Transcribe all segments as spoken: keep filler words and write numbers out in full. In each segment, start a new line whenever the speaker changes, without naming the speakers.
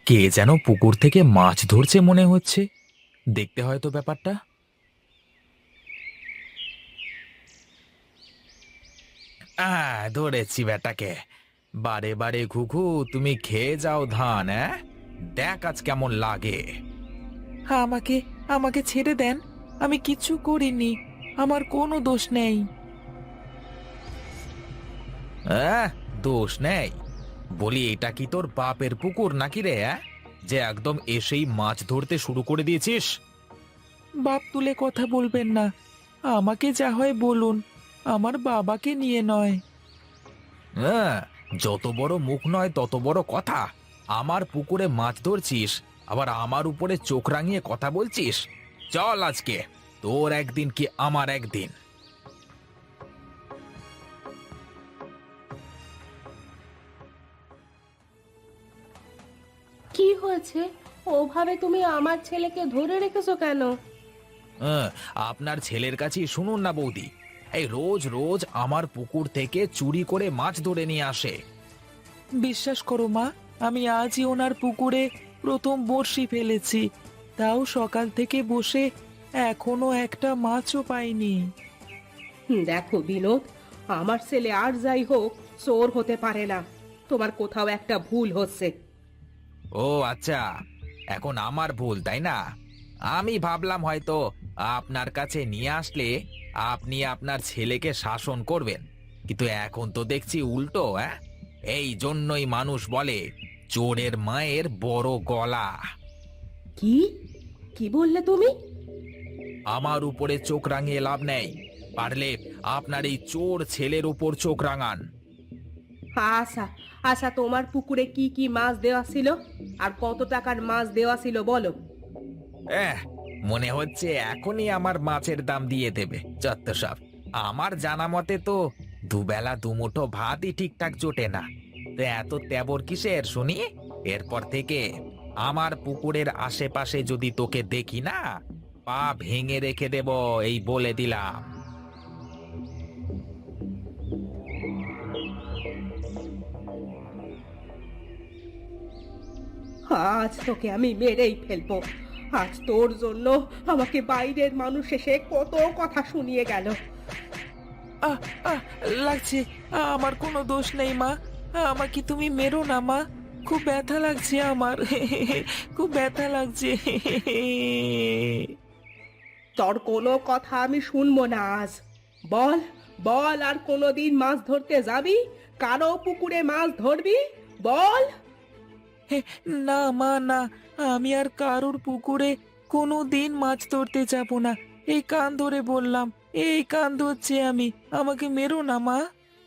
কে যেন পুকুর থেকে মাছ ধরছে মনে হচ্ছে। দেখতে হয়তো ব্যাপারটা। আহ ধরেছি বেটাকে। বারে বারে ঘুঘু, তুমি খেয়ে যাও ধান, হ্যাঁ? দেখ আজ কেমন লাগে। আমাকে আমাকে ছেড়ে দেন, আমি কিচ্ছু করিনি, আমার কোনো দোষ নেই। আহ দোষ নেই? বলি, এটা কি তোর বাপের পুকুর নাকি রে, অ্যাঁ? যে একদম এসেই মাছ ধরতে শুরু করে দিয়েছিস। বাপ তুলে কথা বলবেন না, আমাকে যা হয় বলুন, আমার বাবাকে নিয়ে নয়। হ্যাঁ, যত বড় মুখ নয় তত বড় কথা। আমার পুকুরে মাছ ধরছিস, আবার আমার উপরে চোখ রাঙিয়ে কথা বলছিস। চল আজকে, তোর একদিন কি আমার একদিন।
কি হয়েছে? ওভাবে তুমি আমার ছেলেকে ধরে রেখেছো কেন?
হ্যাঁ, আপনার ছেলের কাছেই শুনুন না বৌদি। এই রোজ রোজ আমার পুকুর থেকে চুরি করে মাছ ধরে নিয়ে আসে। বিশ্বাস করো মা, আমি আজই ওনার পুকুরে প্রথম বড়শি ফেলেছি, তাও সকাল থেকে বসে এখনো একটা মাছও পাইনি।
হুম, দেখো বিনোদ, আমার ছেলে আর যাই হোক চোর হতে পারে না। তোমার কোথাও একটা ভুল হচ্ছে।
ও আচ্ছা, এখন আমার ভুল তাই না? আমি ভাবলাম হয়তো আপনার কাছে নিয়ে আসলে আপনি আপনার ছেলেকে শাসন করবেন, কিন্তু এখন তো দেখছি উল্টো। হ্যাঁ, এই জন্যই মানুষ বলে চোরের মায়ের বড় গলা।
কি কি বললে তুমি?
আমার উপরে চোখ রাঙিয়ে লাভ নেই, পারলে আপনার এই চোর ছেলের উপর চোখ রাঙান।
আচ্ছা, আচ্ছা, তোমার পুকুরে কি কি মাছ দেওয়া ছিল আর কত টাকার মাছ দেওয়া ছিল বলো।
এহ, মনে হচ্ছে এখনই আমার মাছের দাম দিয়ে দেবে যত সব। আমার জানা মতে তো দুবেলা দুমুঠো ভাতই ঠিকঠাক জোটে না, তো এত তেবর কিসের শুনি? এরপর থেকে আমার পুকুরের আশেপাশে যদি তোকে দেখি না, পা ভেঙে রেখে দেব, এই বলে দিলাম।
আজ তোকে আমি মেরেই ফেলবো। আজ তোর জন্য আমাকে বাইরের মানুষ এসে কত কথা শুনিয়ে গেল।
আহ আহ লাগছে, আমার কোনো দোষ নেই মা, আমাকে তুমি মেরো না মা, খুব ব্যথা লাগছে আমার। খুব ব্যথা লাগছে।
তোর কোনো কথা আমি শুনবো না আজ। বল, বল, আর কোনোদিন মাছ ধরতে যাবি? কারো পুকুরে মাছ ধরবি? বল।
না মা, না, আমি আর কারোর পুকুরে কোনো দিন মাছ ধরতে যাব না। এই কান ধরে বললাম, এই কান ধরছি আমি, আমাকে মেরো না মা।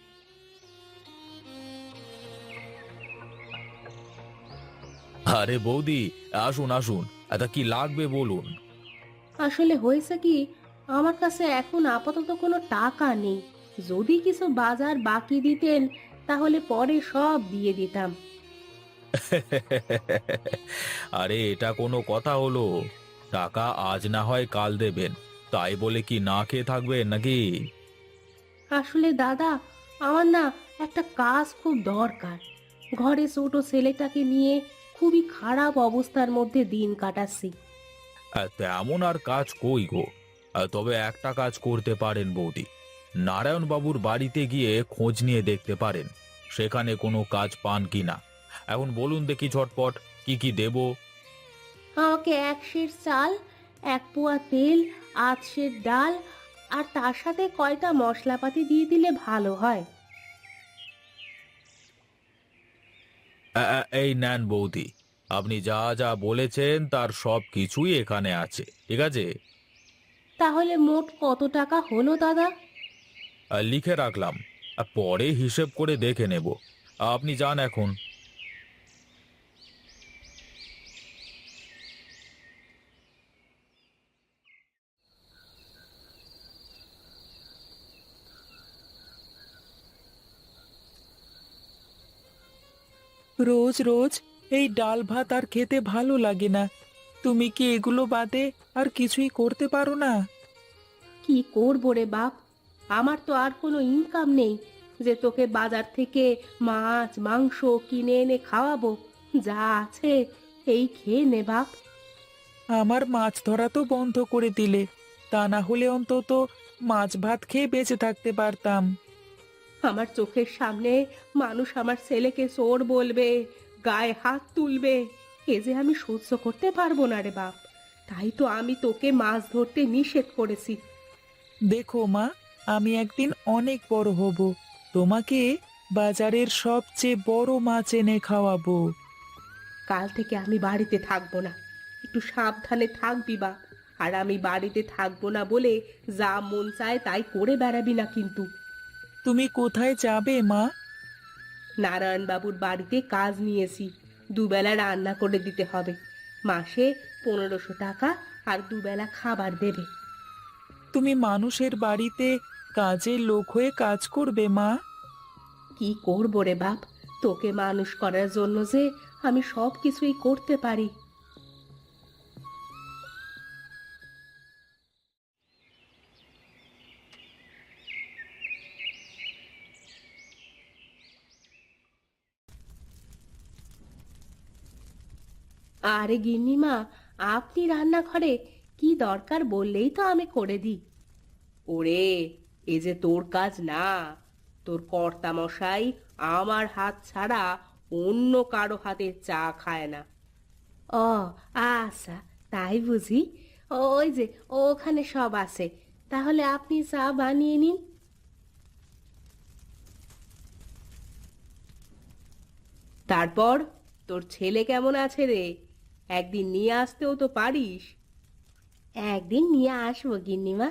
আরে বৌদি, আসুন আসুন, এটা কি লাগবে বলুন।
আসলে হয়েছে কি, আমার কাছে এখন আপাতত কোনো টাকা নেই। যদি কিছু বাজার বাকি দিতেন তাহলে পরে সব দিয়ে দিতাম।
আরে এটা কোনো কথা হলো? টাকা আজ না হয় কাল দেবেন, তাই বলে কি না খেয়ে থাকবেন নাকি?
আসলে দাদা, আমার না একটা কাজ খুব দরকার। ঘরে ছোট ছেলেটাকে নিয়ে খুবই খারাপ অবস্থার মধ্যে দিন কাটাচ্ছি।
আহ, তেমন আর কাজ কই গো। আহ, তবে একটা কাজ করতে পারেন বৌদি, নারায়ণ বাবুর বাড়িতে গিয়ে খোঁজ নিয়ে দেখতে পারেন সেখানে কোনো কাজ পান কিনা। এখন বলুন দেখি ঝটপট, কি কি দেব?
আমাকে এক সের চাল, এক পোয়া তেল, আধ সের ডাল, আর তার সাথে কয়টা মশলাপাতি দিয়ে দিলে ভালো হয়।
আ, আ, এই নেন বৌদি, আপনি যা যা বলেছেন তার সব কিছুই এখানে আছে, ঠিক আছে?
তাহলে মোট কত টাকা হলো দাদা?
আহ, লিখে রাখলাম, আহ, পরে হিসেব করে দেখে নেব। আপনি যান এখন। রোজ রোজ এই ডাল ভাত আর খেতে ভালো লাগে না। তুমি কি এগুলো বাদে আর কিছুই করতে পারো না?
কি করবো রে বাপ, আমার তো আর কোনো ইনকাম নেই যে তোকে বাজার থেকে মাছ মাংস কিনে এনে খাওয়াবো। যা আছে এই খেয়ে নে বাপ।
আমার মাছ ধরা তো বন্ধ করে দিলে, তা না হলে অন্তত মাছ ভাত খেয়ে বেঁচে থাকতে পারতাম।
আমার চোখের সামনে মানুষ আমার ছেলেকে চোর বলবে, গায়ে হাত তুলবে, এ যে আমি সহ্য করতে পারবো না রে বাপ। তাই তো আমি তোকে মাছ ধরতে নিষেধ করেছি।
দেখো মা, আমি একদিন অনেক বড় হব, তোমাকে বাজারের সবচেয়ে বড় মাছ এনে খাওয়াবো।
কাল থেকে আমি বাড়িতে থাকবো না, একটু সাবধানে থাকবি বাপ। আর আমি বাড়িতে থাকবো না বলে যা মন চায় তাই করে বেড়াবি না কিন্তু।
তুমি কোথায় যাবে মা?
নারায়ণবাবুর বাড়িতে কাজ নিয়েছি, দুবেলা রান্না করে দিতে হবে। মাসে পনেরোশো টাকা আর দুবেলা খাবার দেবে।
তুমি মানুষের বাড়িতে কাজের লোক হয়ে কাজ করবে মা?
কি করবো রে বাপ, তোকে মানুষ করার জন্য যে আমি সব কিছুই করতে পারি। আরে গিন্নিমা, আপনি রান্নাঘরে, কি দরকার বললেই তো আমি করে দিই। ওরে, এ যে তোর কাজ না। তোর কর্তা মশাই আমার হাত ছাড়া অন্য কারো হাতের চা খায় না। ও আচ্ছা, তাই বুঝি। ওই যে ওখানে সব আছে, তাহলে আপনি চা বানিয়ে নিন। তারপর তোর ছেলে কেমন আছে রে? একদিন নিয়ে আসতেও তো পারিস। একদিন নিয়ে আসবো গিন্নিমা।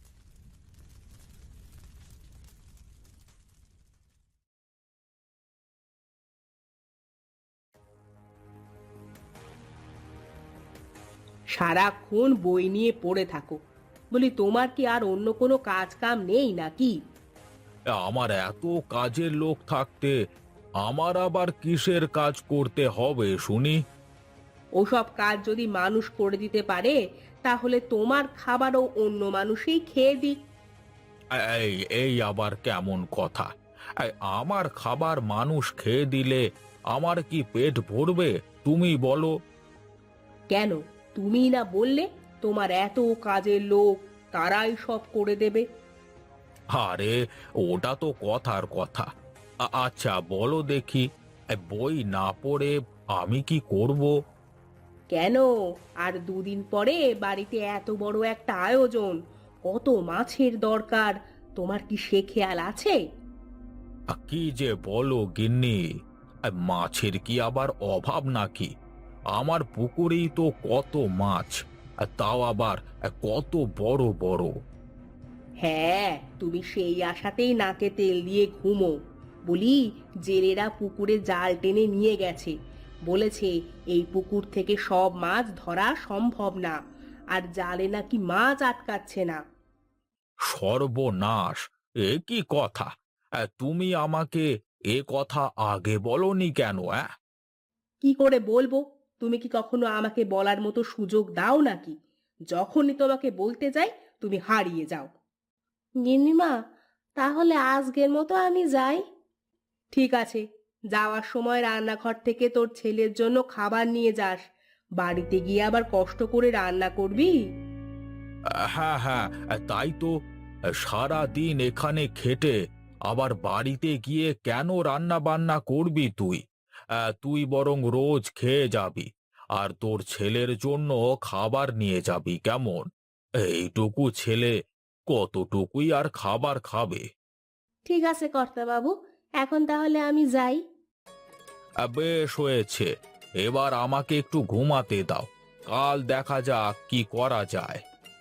সারাক্ষণ বই নিয়ে পড়ে থাকো, বলি তোমার কি আর অন্য কোনো কাজ কাম নেই নাকি?
আমার এত কাজের লোক থাকতে আমার আবার কিসের কাজ করতে হবে শুনি?
ওসব কাজ যদি মানুষ করে দিতে পারে, তাহলে তোমার খাবারও অন্য মানুষই খেয়ে দিক।
এই এই আবার কেমন কথা? এই, আমার খাবার মানুষ খেয়ে দিলে আমার কি পেট ভরবে তুমি বলো?
কেন, তুমি না বললে তোমার এত কাজের লোক, তারাই সব করে দেবে?
আরে, ওটা তো কথার কথা। আ- আচ্ছা বলো দেখি, এই বই না পড়ে আমি কি করব?
কেন, আর দুদিন পরে বাড়িতে এত বড় একটা আয়োজন, কত মাছের দরকার, তোমার কি সে খেয়াল আছে?
আ, কি যে বলো গিন্নি, এই মাছের কি আবার অভাব নাকি? আমার পুকুরেই তো কত মাছ, আর তাও আবার আ, কত বড় বড়।
হ্যাঁ, তুমি সেই আশাতেই নাকে তেল দিয়ে ঘুমো। বলি, জেলেরা পুকুরে জাল টেনে নিয়ে গেছে, বলেছে এই পুকুর থেকে সব মাছ ধরা সম্ভব না, আর জালে নাকি মাছ আটকাচ্ছে না।
সর্বনাশ! এ কি কথা? আ, তুমি আমাকে এ কথা আগে বলনি কেন? অ্যাঁ
কি করে বলবো? তুমি কি কখনো আমাকে বলার মতো সুযোগ দাও নাকি? যখনই তোমাকে বলতে যাই, তুমি হারিয়ে যাও। গিন্নিমা, তাহলে আজকের মতো আমি যাই। ঠিক আছে, যাওয়ার সময় রান্নাঘর থেকে তোর ছেলের জন্য খাবার নিয়ে যাস। বাড়িতে গিয়ে আবার কষ্ট করে রান্না করবি।
হ্যাঁ হ্যাঁ, তাই তো। সারা দিন এখানে খেটে আবার বাড়িতে গিয়ে কেন রান্না বান্না করবি তুই? আহ, তুই বরং রোজ খেয়ে যাবি, আর তোর ছেলের জন্য খাবার নিয়ে যাবি কেমন? এইটুকু ছেলে কতটুকুই আর খাবার খাবে?
ঠিক আছে কর্তাবাবু, এখন তাহলে আমি যাই।
আহ, বেশ হয়েছে, এবার আমাকে একটু ঘুমাতে দাও, কাল দেখা যাক কি করা যায়।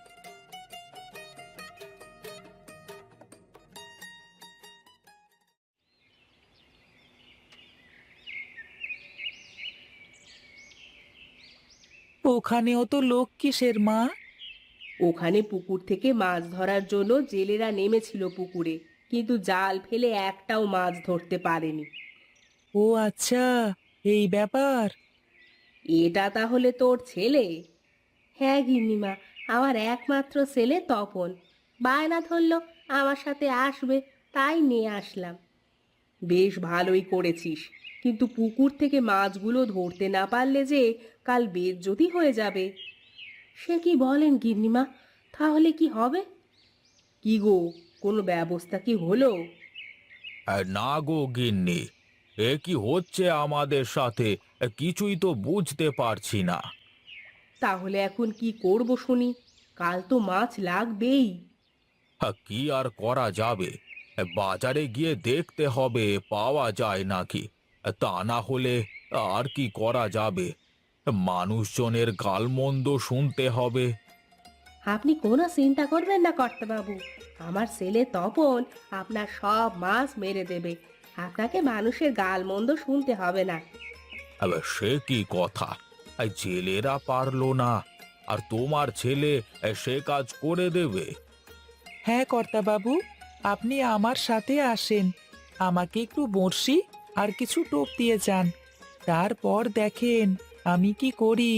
ওখানেও তো লোক কিসের মা?
ওখানে পুকুর থেকে মাছ ধরার জন্য জেলেরা নেমেছিল পুকুরে, কিন্তু জাল ফেলে একটাও মাছ ধরতে পারেনি।
ও আচ্ছা, এই ব্যাপার।
এটা তাহলে তোর ছেলে? হ্যাঁ গিন্নিমা, আমার একমাত্র ছেলে তপন। বায়না ধরলো আমার সাথে আসবে, তাই নিয়ে আসলাম। বেশ ভালোই করেছিস, কিন্তু পুকুর থেকে মাছগুলো ধরতে না পারলে যে কাল বেইজ্জতি হয়ে যাবে। সে কি বলেন গিন্নিমা? তাহলে কি হবে? কি গো, কোনো ব্যবস্থা কি হলো?
আর না গো গিন্নি, এ কি হচ্ছে আমাদের সাথে, কিছুই তো বুঝতে পারছি না।
তাহলে এখন কি করব শুনি? কাল তো মাছ লাগবেই।
হ্যাঁ, কি আর করা যাবে, বাজারে গিয়ে দেখতে হবে পাওয়া যায় নাকি। তা না হলে আর কি করা যাবে, মানুষজনের গালমন্দ শুনতে হবে।
আপনি কোনো চিন্তা করবেন না কর্তাবাবু, আমার ছেলে তপন আপনার সব মাছ মেরে দেবে। আপনাকে মানুষের গালমন্দ শুনতে হবে না।
আবার সে কি কথা, এই জেলেরা পারলো না, আর তোমার ছেলে সে কাজ করে দেবে?
হ্যাঁ কর্তাবাবু, আপনি আমার সাথে আসেন। আমাকে একটু বড়শি আর কিছু টোপ দিয়ে যান, তারপর দেখেন আমি কি করি।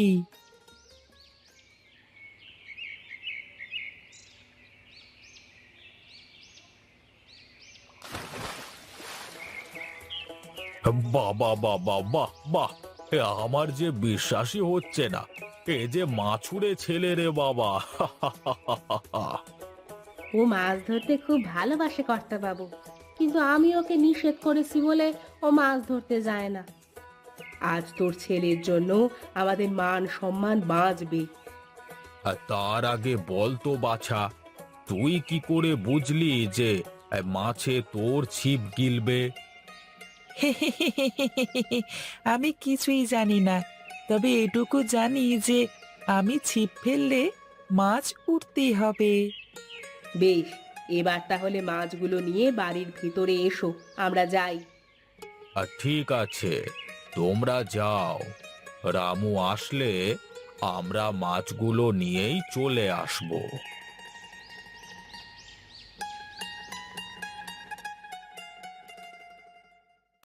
বাবা বাবা বাহ বাহ, এ আমার যে বিশ্বাসই হচ্ছে না, এ যে মাছুরে ছেলে রে বাবা।
ও মাছ ধরতে খুব ভালোবাসে কর্তাবাবু, কিন্তু আমি ওকে নিষেধ করেছি বলে ও মাছ ধরতে যায় না। আজ তোর ছেলের জন্য আমাদের মান সম্মান বাঁচবে।
আর তার আগে বল তো বাছা, তুই কি করে বুঝলি যে এ, মাছে তোর ছিপ গিলবে?
আমি কিছুই জানি না, তবে এটুকু জানি যে আমি ছিপ ফেললে মাছ উঠতেই হবে।
বেশ, এবার তাহলে মাছগুলো নিয়ে বাড়ির ভিতরে এসো, আমরা যাই।
আর ঠিক আছে, তোমরা যাও, রামু আসলে আমরা মাছগুলো নিয়েই চলে আসবো।